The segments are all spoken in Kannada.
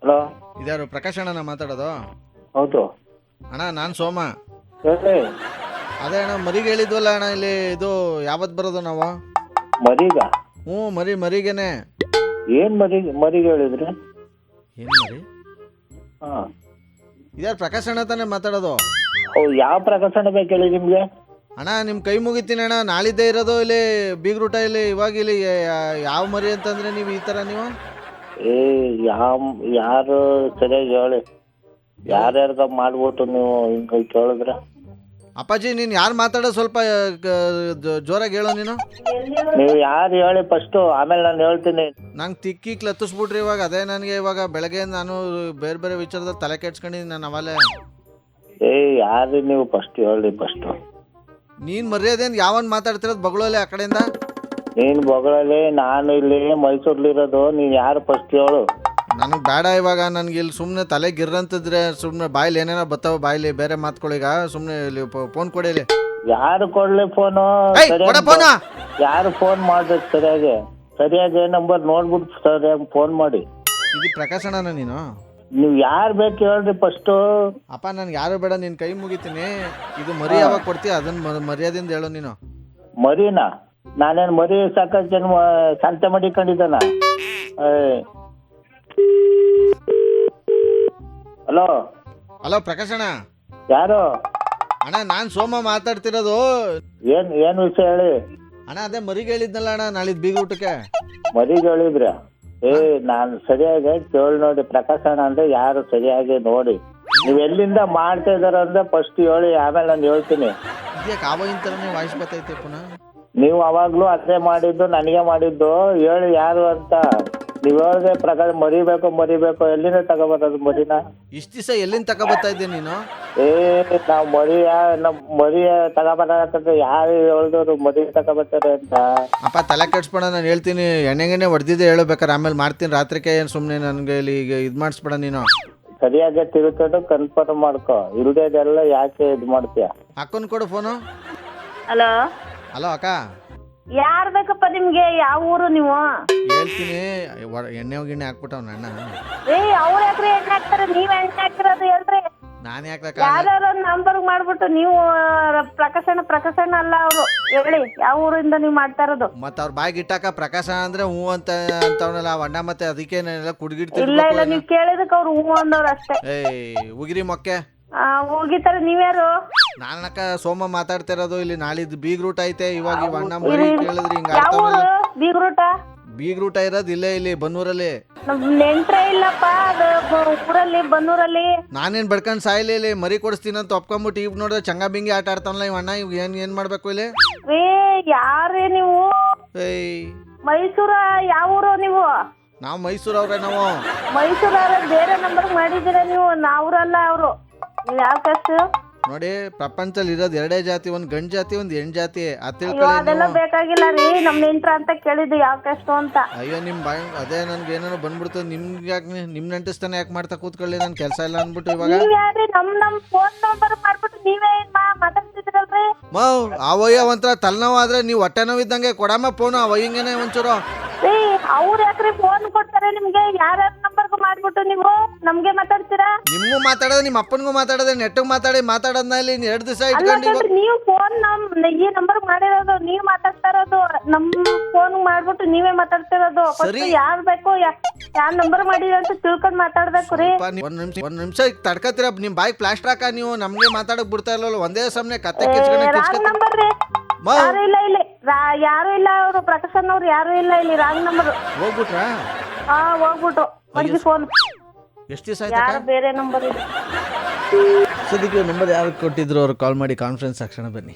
ಹಲೋ, ಇದ್ಯಾರು ಪ್ರಕಾಶ್ ಅಣ್ಣನ ಮಾತಾಡೋದು? ಹೌದು. ಅಣ್ಣ ನಾನು ಸೋಮ. ಹೇಳಿ. ಅದೇ ಅಣ್ಣ ಮರಿಗೆ ಹೇಳಿದ್ವಲ್ಲ ಅಣ್ಣ, ಇಲ್ಲಿ ಇದು ಯಾವತ್ತು ಬರೋದು ನಾವು? ಮರೀಗ? ಹ್ಞೂ ಮರಿಗೇನೆ. ಏನ್ ಮರಿಗೆ ಹೇಳಿದ್ರಿ? ಏನು ಮರಿ? ಹಾಂ, ಇದ್ಯಾರು ಪ್ರಕಾಶ್ ಅಣ್ಣ ತಾನೇ ಮಾತಾಡೋದು? ಯಾವ ಪ್ರಕಾಶನ ಬೇಕು ಹೇಳಿ ನಿಮ್ಗೆ? ಅಣ್ಣ ನಿಮ್ಮ ಕೈ ಮುಗಿತೀನಿ ಅಣ್ಣ, ನಾಳಿದ್ದೇ ಇರೋದು ಇಲ್ಲಿ ಬೀಗ್ರೂಟ. ಇಲ್ಲಿ ಇವಾಗ ಇಲ್ಲಿ ಯಾವ ಮರಿ ಅಂತಂದ್ರೆ ನೀವು ಈ ಥರ ನೀವು? ಯಾರು ಸರಿಯಾಗಿ ಹೇಳಿ. ಯಾರ್ಯಾರ್ಗ ಮಾಡ್ಬಿಟ್ಟು ನೀವು ಹಿಂಗೆ ಕೇಳಿದ್ರೆ? ಅಪ್ಪಾಜಿ ನೀನು ಯಾರು ಮಾತಾಡೋ ಸ್ವಲ್ಪ ಜೋರಾಗಿ ಹೇಳೋ ನೀನು. ನೀವು ಯಾರು ಹೇಳಿ ಫಸ್ಟು, ಆಮೇಲೆ ನಾನು ಹೇಳ್ತೀನಿ. ನಂಗೆ ತಿಕ್ಕಿಕ್ ಲತ್ತಿಸ್ಬಿಟ್ರಿ ಇವಾಗ. ಅದೇ ನನಗೆ ಇವಾಗ ಬೆಳಗ್ಗೆ ನಾನು ಬೇರೆ ಬೇರೆ ವಿಚಾರದಲ್ಲಿ ತಲೆ ಕೆಡ್ಸ್ಕೊಂಡಿದ್ದೀನಿ ನಾನು ಅವಲೇ. ಯಾರು ನೀವು ಫಸ್ಟ್ ಹೇಳಿ ಫಸ್ಟು. ನೀನು ಮರ್ಯಾದೇನು ಯಾವನ್ ಮಾತಾಡ್ತಿರೋದು ಬಗಳೋಲೆ ಆ ಕಡೆಯಿಂದ? ನೀನು ಬಗಳಲ್ಲಿ, ನಾನು ಇಲ್ಲಿ ಮೈಸೂರ್ಲಿರೋದು. ನೀನು ಯಾರು ಫಸ್ಟ್ ಹೇಳು. ನನಗೆ ಬೇಡ ಇವಾಗ. ನನಗೆ ಇಲ್ಲಿ ಸುಮ್ಮನೆ ತಲೆ ಗಿರ್ರಂತಿದ್ರೆ ಸುಮ್ಮನೆ ಬಾಯಿಲಿ ಏನೇನೋ ಬರ್ತಾವ, ಬಾಯಿಲಿ ಬೇರೆ ಮಾತುಗಳಿಗ. ಸುಮ್ಮನೆ ಇಲ್ಲಿ ಫೋನ್ ಕೊಡಿ ಇಲ್ಲಿ. ಯಾರು ಕೊಡ್ಲಿ ಫೋನು? ಯಾರು ಫೋನ್ ಮಾಡ್ಬೇಕು ಸರಿಯಾಗಿ ನಂಬರ್ ನೋಡ್ಬಿಟ್ಟು ಸರಿಯಾಗಿ ಫೋನ್ ಮಾಡಿ. ಇದು ಪ್ರಕಾಶ್ ಅಣ್ಣನ ನೀನು? ನೀವು ಯಾರು ಬೇಕು ಹೇಳ್ರಿ ಫಸ್ಟು. ಅಪ್ಪ ನನ್ಗೆ ಯಾರು ಬೇಡ, ನಿನ್ನ ಕೈ ಮುಗಿತೀನಿ. ಇದು ಮರಿ ಯಾವಾಗ ಕೊಡ್ತೀಯ ಅದನ್ನ ಮರ್ಯಾದಿಂದ ಹೇಳು ನೀನು. ಮರಿನಾ? ನಾನೇನು ಮರಿ ಸಾಕಷ್ಟು ಜನ ಸಂತೆ ಮಾಡಿಕೊಂಡಿದ್ದಾನ? ಹಲೋ ಹಲೋ ಪ್ರಕಾಶ್ ಅಣ್ಣ. ಯಾರು? ಅಣ್ಣ ನಾನು ಸೋಮ ಮಾತಾಡ್ತಿರೋದು. ಏನ್ ವಿಷಯ ಹೇಳಿ. ಅಣ್ಣ ಅದೇ ಮರಿಗೆ ಹೇಳಿದ್ನಲ್ಲ ಅಣ್ಣ, ನಾಳಿದ್ದು ಬೀಗ್ರೂಟಕ್ಕೆ. ಮರಿಗೆ ಹೇಳಿದ್ರ? ನಾನು ಸರಿಯಾಗಿ ಕೇಳಿ ನೋಡಿ. ಪ್ರಕಾಶನ ಅಂದ್ರೆ ಯಾರು ಸರಿಯಾಗಿ ನೋಡಿ. ನೀವು ಎಲ್ಲಿಂದ ಮಾಡ್ತಾ ಇದಾರ ಅಂದ್ರೆ ಫಸ್ಟ್ ಹೇಳಿ, ಆಮೇಲೆ ನಾನು ಹೇಳ್ತೀನಿ. ಇದ್ಯಾಕೆ ಆವಾಗಿನ ಥರನೇ ವಾಯ್ಸ್ ಬರ್ತೈತೆ ಪುನಃ? ನೀವು ಅವಾಗ್ಲೂ ಅದೇ ಮಾಡಿದ್ದು, ನನಗೆ ಮಾಡಿದ್ದು. ಹೇಳಿ ಯಾರು ಅಂತ. ನೀವು ಹೇಳಿದ್ರೆ ಪ್ರಕಾರ ಮರಿಬೇಕು. ಎಲ್ಲಿಂದ ತಗೋಬರೋದು ಮರಿನ? ಇಷ್ಟು ದಿವಸ ಎಲ್ಲಿಂದ ತಗೋಬರ್ತಾ ಇದ್ದೆ ನೀನು? ನಾವು ಮರಿಯ ತಗೋಬಾರಂದ್ರೆ ಯಾರು ಹೇಳಿದವರು ಮರಿ ತಗೋಬರ್ತಾರೆ ಅಂತ? ಅಪ್ಪ ತಲೆ ಕೆಡ್ಸ್ಬೇಡ, ನಾನು ಹೇಳ್ತೀನಿ. ಎಣ್ಣೆಗೆಣ್ಣೆ ಹೊಡೆದಿದ್ದೆ ಹೇಳಬೇಕಾರೆ, ಆಮೇಲೆ ಮಾಡ್ತೀನಿ ರಾತ್ರಿಗೆ. ಏನು ಸುಮ್ಮನೆ ನನಗೆ ಇಲ್ಲಿ ಈಗ ಇದು ಮಾಡಿಸ್ಬೇಡ ನೀನು. ಸರಿಯಾಗಿ ತಿಳ್ಕೊಂಡು ಕನ್ಫರ್ಮ್ ಮಾಡ್ಕೊ. ಇಲ್ದೇದೆಲ್ಲ ಯಾಕೆ ಇದು ಮಾಡ್ತೀಯ? ಅಕ್ಕನ್ ಕೊಡು ಫೋನು. ಹಲೋ ಹಲೋ ಅಕ್ಕ. ಯಾರು ಬೇಕಪ್ಪ ನಿಮ್ಗೆ? ಯಾವ ಊರು ನೀವು? ಹೇಳ್ತೀನಿ. ಎಣ್ಣೆ ಗಿಣ್ಣೆ ಹಾಕ್ಬಿಟ್ಟವ್ ಅಣ್ಣ. ಅವ್ರು ಯಾಕ್ರಿ ಎಣ್ಣೆ ಹಾಕ್ತಾರೆ? ನೀವ್ ಎಣ್ಣೆ ಹಾಕ್ತಿರೋದು ಹೇಳ್ರಿ. ನಾನು ಯಾಕೆ ಯಾರು ನಂಬರ್ ಮಾಡ್ಬಿಟ್ಟು ನೀವು ಪ್ರಕಾಶನ ಅಲ್ಲ ಅವರು. ಹೇಳಿ ಯಾವ ಊರಿಂದ ನೀವು ಮಾಡ್ತಾ ಇರೋದು? ಮತ್ತೆ ಅವ್ರ ಬಾಯಿಗೆ ಇಟ್ಟಾಕ ಪ್ರಕಾಶ ಅಂದ್ರೆ ಹೂ ಅಂತವನಲ್ಲ ಅಣ್ಣ. ಮತ್ತೆ ಅದಕ್ಕೆ ಕುಡ್ಗಿಡ್ತೀನಿ. ಇಲ್ಲ ನೀವ್ ಕೇಳಿದಕ್ಕೆ ಅವ್ರು ಹೂ ಅಂದವ್ರು ಅಷ್ಟೇ. ಉಗಿರಿ ಮೊಕ್ಕೆ ಹೋಗಿತಾರೆ. ನೀವ್ಯಾರು? ನಾನಕ್ಕ ಸೋಮ ಮಾತಾಡ್ತಿರೋದು. ಇಲ್ಲಿ ನಾಳಿದ್ದು ಬೀಗ್ರೂಟ ಐತೆ. ಇವಾಗ ಇವ್ ಅಣ್ಣ ಮರಿ ಕೇಳಿದ್ರಿ ಹಿಂಗ. ಬೀಗ್ರೂಟ ಇರೋದು ಇಲ್ಲೇ ಇಲ್ಲಿ ಬನ್ನೂರಲ್ಲಿ. ನೆಂಟ್ರೆ ಇಲ್ಲಪ್ಪ ಊರಲ್ಲಿ ಬನ್ನೂರಲ್ಲಿ. ನಾನೇನ್ ಬಡ್ಕೊಂಡ್ ಸಾಯಿಲಿ ಇಲ್ಲಿ ಮರಿ ಕೊಡಿಸ್ತೀನಿ ಅಂತ ಒಪ್ಕೊಂಬಿಟ್ಟು ಇವ್ ನೋಡಿದ್ರೆ ಚಂಗ ಬಿಂಗಿ ಆಟ ಆಡ್ತಾನಲ್ಲ ಇವ್ ಅಣ್ಣ. ಇವ್ ಏನ್ ಮಾಡ್ಬೇಕು ಇಲ್ಲಿ? ಯಾರೇ ನೀವು? ಮೈಸೂರ? ಯಾವ ಊರು ನೀವು? ನಾವು ಮೈಸೂರವ್ರೆ. ನಾವು ಮೈಸೂರವ್ರೆ. ಬೇರೆ ನಂಬರ್ ಮಾಡಿದ್ದೀರಾ ನೀವು? ನಾವ್ರಲ್ಲ ಅವರು. ನೀವು ಯಾವ ಕಾಸ್ಟ್ ನೋಡಿ? ಪ್ರಪಂಚದಲ್ಲಿ ಇರೋದು ಎರಡೇ ಜಾತಿ, ಒಂದ್ ಗಂಡ್ ಜಾತಿ ಒಂದ್ ಹೆಣ್ ಜಾತಿ. ಅದೆಲ್ಲ ಬೇಕಾಗಿಲ್ಲ ರೀ. ನಮ್ ನೆಂಟ್ರ ಅಂತ ಕೇಳಿದ್ದು ಯಾವ ಕಾಸ್ಟ್ ಅಂತ. ಅಯ್ಯೋ ನಿಮ್ ಬಾಯ್ ಅದೇ ನನ್ಗೆ ಏನೇನೋ ಬಂದ್ಬಿಡ್ತು. ನಿಮ್ಗೆ ಯಾಕೆ ನಿಮ್ ನೆಂಟಸ್ತಾನೆ ಯಾಕೆ ಮಾಡ್ತಾ ಕೂತ್ಕೊಳ್ಳಿ, ನನ್ ಕೆಲಸ ಇಲ್ಲ ಅನ್ಬಿಟ್ಟು ಇವಾಗ. ನಮ್ ಫೋನ್ ನಂಬರ್ ಮಾಡ್ಬಿಟ್ಟು ನೀವೇ ಮಾತಾಡ್ತಿದ್ರಲ್ರಿ. ಅವಯ್ಯ ಒಂಥರ ತಲೆನೋವು ಆದ್ರೆ ನೀವು ಹೊಟ್ಟೆ ನೋವು ಇದ್ದಂಗೆ ಕೊಡಮ್ಮ ಫೋನು. ಅವಯ್ಯಂಗೇನೆ ಒಂಚೂರು. ಅವ್ರು ಯಾಕ್ರಿ ಫೋನ್ ಕೊಡ್ತಾರೆ ನಿಮ್ಗೆ? ಯಾರ್ಯಾರ ನಂಬರ್ಗೂ ಮಾಡ್ಬಿಟ್ಟು ನೀವು ನಮ್ಗೆ ಮಾತಾಡ್ತೀರಾ? ನಿಮ್ಗೂ ಮಾತಾಡೋದು, ನಿಮ್ಮ ಅಪ್ಪನಿಗೂ ಮಾತಾಡೋದು, ನೆಟ್ಟಿಗೆ ಮಾತಾಡೋದ್ನ ಇಲ್ಲಿ 2 ದಿವಸ ಇಟ್ಕೊಂಡು. ನೀವು ಫೋನ್ ಈ ನಂಬರ್ ಮಾಡಿರೋದು ನೀವ್ ಮಾತಾಡ್ತಾ ಇರೋದು. ನಮ್ ಫೋನ್ ಮಾಡ್ಬಿಟ್ಟು ನೀವೇ ಮಾತಾಡ್ತಿರೋದು. ಯಾರ್ ಬೇಕು ಯಾರ್ ನಂಬರ್ ಮಾಡಿರ ಅಂತ ತಿಳ್ಕೊಂಡ್ ಮಾತಾಡ್ಬೇಕು ರೀ. ಒಂದ್ ನಿಮಿಷ ತಡ್ಕತ್ತೀರ. ನಿಮ್ ಬಾಯಿ ಪ್ಲಾಸ್ಟರ್ ಹಾಕ. ನೀವು ನಮ್ಗೆ ಮಾತಾಡಕ್ ಬಿಡ್ತಾ ಇಲ್ಲಲ್ಲ. ಒಂದೇ ಸಮನೆ ಕತ್ತೆ ಕಿಚ್ಕೊಂಡು ನಂಬರ್ ರೀ. ಯಾರು ಇಲ್ಲ ಇಲ್ಲಿ. ಯಾರು ಇಲ್ಲ. ಅವರು ಪ್ರಕಾಶನ್ ಅವ್ರು ಯಾರು ಇಲ್ಲ ಇಲ್ಲಿ. Wrong number. ಹೋಗ್ಬಿಟ್ರಾ? ಹೋಗ್ಬಿಟ್ಟು ಒಂದು ಫೋನ್. ಎಷ್ಟು ದಿವಸ ಆಯ್ತು? ಬೇರೆ ನಂಬರ್ ಇದೆ. ಸದ್ಯಕ್ಕೆ ನಂಬರ್ ಯಾರು ಕೊಟ್ಟಿದ್ರು ಅವ್ರು ಕಾಲ್ ಮಾಡಿ ಕಾನ್ಫರೆನ್ಸ್ ಹಾಕ್ಸೋಣ ಬನ್ನಿ.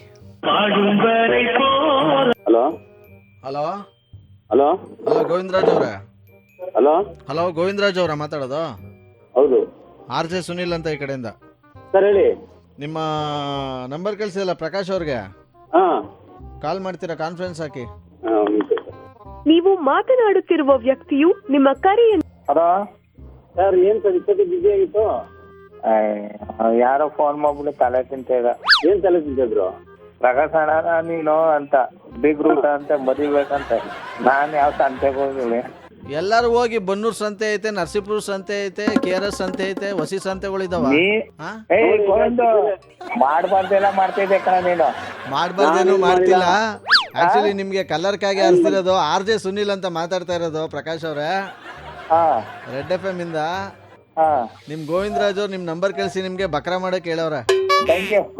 Hello hello hello hello Govindaraj ಅವ್ರೆ? ಹಲೋ ಗೋವಿಂದರಾಜ್ ಅವರ ಮಾತಾಡೋದು? ಹೌದು. RJ ಸುನಿಲ್ ಅಂತ ಈ ಕಡೆಯಿಂದ. ಸರ್ ಹೇಳಿ. ನಿಮ್ಮ ನಂಬರ್ ಕಳಿಸಿಲ್ಲ ಪ್ರಕಾಶ್ ಅವ್ರಿಗೆ. ಕಾಲ್ ಮಾಡ್ತೀರಾ? ಕಾನ್ಫರೆನ್ಸ್ ಹಾಕಿ. ನೀವು ಮಾತನಾಡುತ್ತಿರುವ ವ್ಯಕ್ತಿಯು ನಿಮ್ಮ ಕರೆಯನ್ನು. ಹಲೋ ಸರ್, ಏನ್ ಸರ್ ಇಷ್ಟೊತ್ತಿಗೆ ಬಿಸಿ ಆಗಿತ್ತು? ಯಾರೋ ಫೋನ್ ಮಾಡ್ಬಿಟ್ಟು ತಲೆ ತಿಂತ. ಏನ್ ತಲೆ ತಿಂತಿದ್ರು? ಪ್ರಕಾಶ್ ಅಣ್ಣ ನೀನು ಅಂತ ಬೀಗ್ರೂಟ ಅಂತ ಮರಿಬೇಕಂತ. ನಾನು ಯಾವ ಸಂತೆಗೆ ಹೋಗಿಲ್ಲ. ಎಲ್ಲರೂ ಹೋಗಿ ಬನ್ನೂರ್ ಸಂತೆ ಐತೆ, ನರಸೀಪುರ ಸಂತೆ ಐತೆ, KRS ಸಂತೆ ಐತೆ, ಹೊಸಿ ಸಂತೆಗಳಿದಾವ. ಗೋವಿಂದ ಮಾಡ್ಬಾರ್ದೆಲ್ಲ ಮಾಡ್ತಿದ್ದೆ ಕಣ ನೀನು. ಮಾಡ್ಬಾರ್ದೇನು ಮಾಡ್ತಿಲ್ಲ. ಆಕ್ಚುಲಿ ನಿಮ್ಗೆ ಕಲ್ಲರ್ಕಾಗಿ ಆರಿಸ್ತಿರೋದು RJ ಸುನಿಲ್ ಅಂತ ಮಾತಾಡ್ತಾ ಇರೋದು ಪ್ರಕಾಶ್ ಅವ್ರೆ, ರೆಡ್ FM ಇಂದ. ನಿಮ್ ಗೋವಿಂದರಾಜ್ ಅವ್ರು ನಿಮ್ ನಂಬರ್ ಕಳಿಸಿ ನಿಮ್ಗೆ ಬಕ್ರಾ ಮಾಡಕ್ ಹೇಳವ್ರ. Thank you.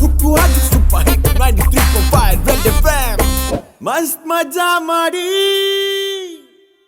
ಹುಕ್ಕುವಾಗಿ ಸೂಪರ್ ಹಿಟ್ 93.5 ರೆಡ್ FM. ಮಸ್ತ್ ಮಜಾ ಮಾಡಿ.